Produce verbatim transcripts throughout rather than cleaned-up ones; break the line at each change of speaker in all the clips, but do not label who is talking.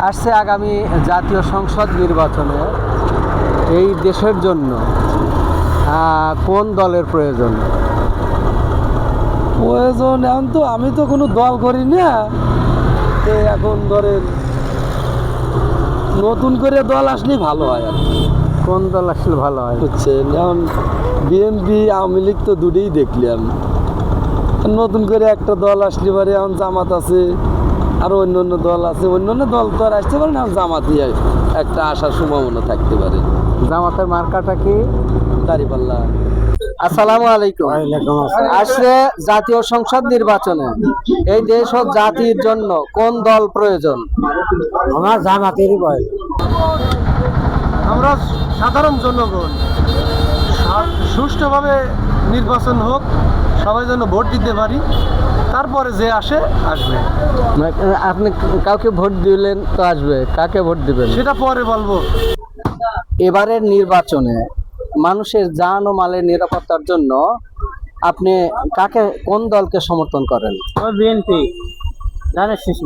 আসছে আগামী জাতীয় সংসদ নির্বাচনে এই দেশের জন্য আহ, কোন দলের প্রয়োজন?
প্রয়োজন এখন তো আমি তো কোনো দল করি না, তো এখন ধরেন নতুন করে দল আসলে ভালো হয় আর কি।
কোন দল আসলে ভালো হয়?
বুঝছেন, এখন বিএনপি আওয়ামী লীগ তো দুটোই দেখলাম, নতুন করে একটা দল আসলে পারে। এখন জামাত আছে, আরো অন্য অন্য দল আছে, অন্য অন্য দল তো আর আসতে পারে না, এখন জামাতই একটা আসার সম্ভাবনা থাকতে পারে।
জামাতের মার্কাটা কি?
দাঁড়িপাল্লা।
আসসালামু আলাইকুম। আসছে জাতীয় সংসদ নির্বাচনে এই দেশ ও জাতির জন্য কোন দল প্রয়োজন?
আমার জামাতেরই ভয়।
আমরা সাধারণ জনগণ সুষ্ঠুভাবে নির্বাচন হোক, সবাই যেন ভোট দিতে পারি, তারপরে যে আসে আসবে,
আপনি কাউকে ভোট দিলেন তো আসবে, কাকে ভোট দিবেন
সেটা পরে বলবো।
এবারের নির্বাচনে মানুষের জান ও মালের নিরাপত্তার জন্য আপনি কাকে, কোন দলকে সমর্থন করেন?
বিএনপি জানেন শেষ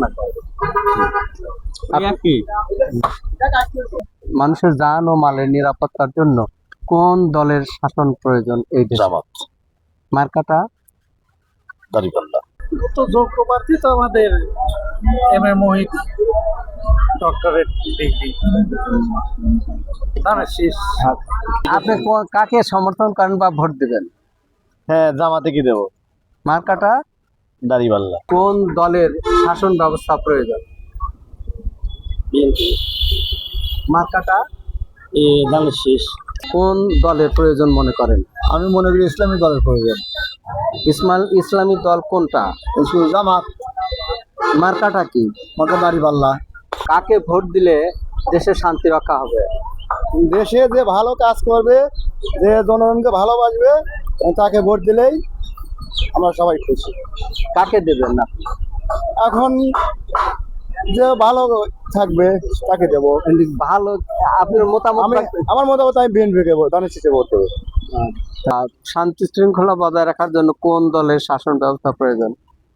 মানুষের জান ও মালের নিরাপত্তার জন্য কোন দলের শাসন প্রয়োজন এই দেশে?
জামাত।
মার্কাটা?
দাঁড়িপাল্লা।
তো যোগ্য প্রার্থী তো আমাদের M A Mohit, doctorate degree.
আপনি কো- কাকে সমর্থন করেন বা ভোট দিবেন?
হ্যাঁ, জামাতে কি দেবো?
মার্কাটা?
দাঁড়িপাল্লা।
কোন দলের শাসন ব্যবস্থা প্রয়োজন? মার্কাটা?
এ ধানের শেষ।
কোন দলের প্রয়োজন মনে করেন?
আমি মনে করি ইসলামী দলের প্রয়োজন।
ইসমাল ইসলামী দল কোনটা?
জামাত।
মার্কাটা কি?
মাথা দাঁড়িপাল্লা।
কাকে ভোট দিলে দেশের শান্তি রক্ষা হবে?
দেশে যে ভালো কাজ করবে, যে জনগণকে ভালোবাসবে, তাকে ভোট দিলেই আমরা সবাই খুশি।
কাকে দেবেন না?
এখন যে ভালো থাকবে তাকে দেবো।
ভালো, আপনার মতামত
আমি
থাকবে।
আমার মতামত আমি বিএনপি কে ধানের শীষে ভোট দেবো।
আচ্ছা, শান্তি শৃঙ্খলা বজায় রাখার জন্য কোন দলের শাসন ব্যবস্থা প্রয়োজন?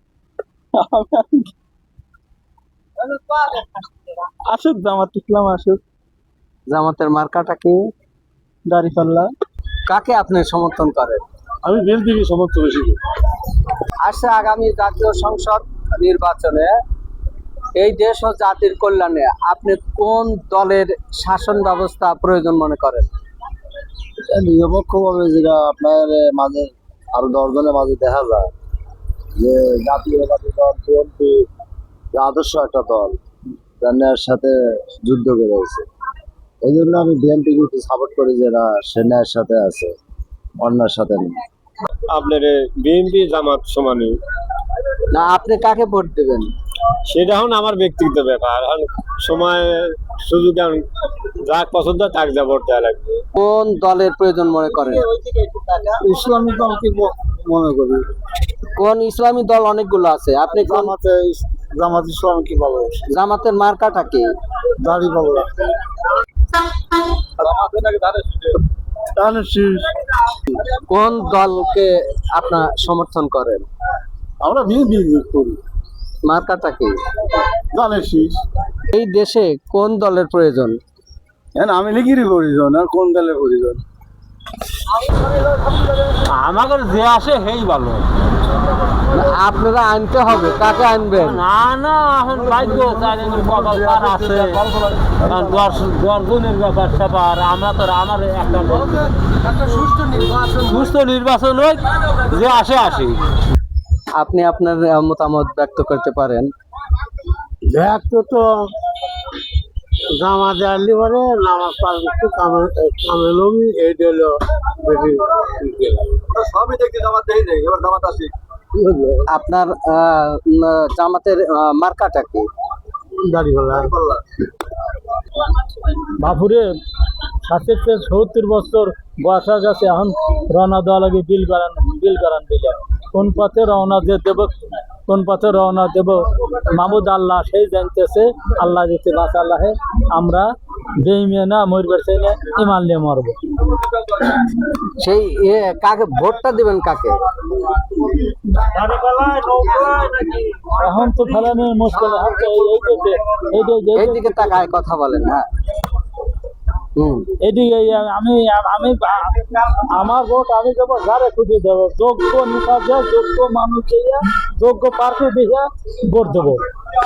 আসুক জামাত ইসলাম আসুক।
জামাতের মার্কাটা কি?
দাঁড়িপাল্লা।
কাকে আপনি সমর্থন করেন?
আমি বিএনপিকে সমর্থন বেশি করি।
আসছে আগামী জাতীয় সংসদ নির্বাচনে এই দেশ ও জাতির কল্যাণে আপনি কোন দলের শাসন ব্যবস্থা প্রয়োজন মনে করেন?
নিরপেক্ষভাবে যেটা আপনার মাঝে আরো দশজনের মাঝে দেখা যায় যে জাতীয়বাদী দল বিএনপি আদর্শ একটা দল, যার সাথে যুদ্ধ করেছে। এই জন্য আমি বিএনপিকে একটু সাপোর্ট করি, যারা সেনার সাথে আছে, অন্যের সাথে নেই। আপনার বিএনপি জামাত সমানই।
না, আপনি কাকে ভোট দেবেন?
সেটা এখন আমার ব্যক্তিগত ব্যাপার। এখন সময় সুযোগ যা পছন্দ তাকে যা ভোট দেওয়া লাগবে।
কোন দলের প্রয়োজন মনে করেন?
ইসলামী দলকে মনে করি।
কোন ইসলামী দল অনেকগুলো আছে, আপনি কোন?
জামাতে জামাত ইসলাম কি পাবো?
জামাতের মার্কাটা কি?
দাড়ি পাবো।
কোন দলকে আপনার সমর্থন করেন?
আমরা বিএনপি করি।
মার্কাটা কি?
ধানের শীষ।
এই দেশে কোন দলের প্রয়োজন?
আমি লিখিরই প্রয়োজন, আর কোন দলের প্রয়োজন? আমাদের যে আসে সেই ভালো।
আপনারা আনতে হবে, কাকে আনবেন?
না না, এখন ভাগ্য আছে, দর্শনের ব্যাপার স্যাপার। আমরা তো আমার একটা
একটা সুষ্ঠু নির্বাচন
সুস্থ নির্বাচন হোক, যে আসে আসে।
আপনি আপনার আহ, মতামত ব্যক্ত করতে পারেন।
দেখ তো তো জামা দেওয়ালি পরে নামাজ পাড়তে কামেলম এই দিল
সবই দেখতে জামাত দেই দেয়, এবার জামাত আসে।
আপনার আহ, উম, জামাতের আহ, মার্কাটা কি?
দাঁড়িপাল্লা। বাপুরে ষাটের থেকে সত্তর বছর বয়স হয়ে গেছে, এখন রওনা দেওয়া লাগে বিল করান বিল করান দিলে। কোন পথে রওনা দিয়ে দেব, কোন পথে রওনা দেব মাহমুদ আল্লাহ সেই জানতেছে। আল্লাহ যেতে বাঁচা আল্লাহে, আমরা বেইমে না মরবার চাই না, ইমান নিয়ে মরবো।
সেই এ, কাকে ভোটটা দিবেন কাকে?
এখন তো ফেলানো মুশকিল, এখন তো এই- এই যে- এই যে- এই যে-
এইদিকে তাকায় কথা বলেন। হ্যাঁ, হুম,
এদিকে আমি আমি আমার ভোট আমি দেবো যারে খুঁজে দেবো, যোগ্য নেতা দিয়ে, যোগ্য মানুষ দিয়ে, যোগ্য প্রার্থী দিয়ে ভোট দেবো।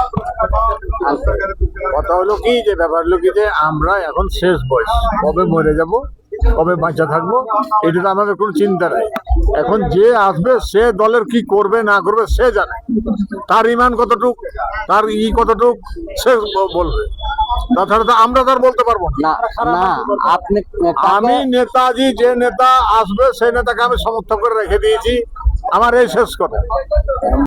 কথা হলো কি, যে ব্যাপার হলো কি, যে আমরা এখন শেষ বয়স, কবে মরে যাব, কবে বাঁচা থাকবো, এটা তো আমাদের কোনো চিন্তা নাই। এখন যে আসবে সে দলের কি করবে না করবে সে জানে, তার ইমান কতটুক, তার ই কতটুক সে ব- বলবে। তাছাড়া তো আমরা তার বলতে পারবো না।
না না আপনি
আমি নেতাজি, যে নেতা আসবে সেই নেতাকে আমি সমর্থন করে রেখে দিয়েছি, আমার এই শেষ কথা।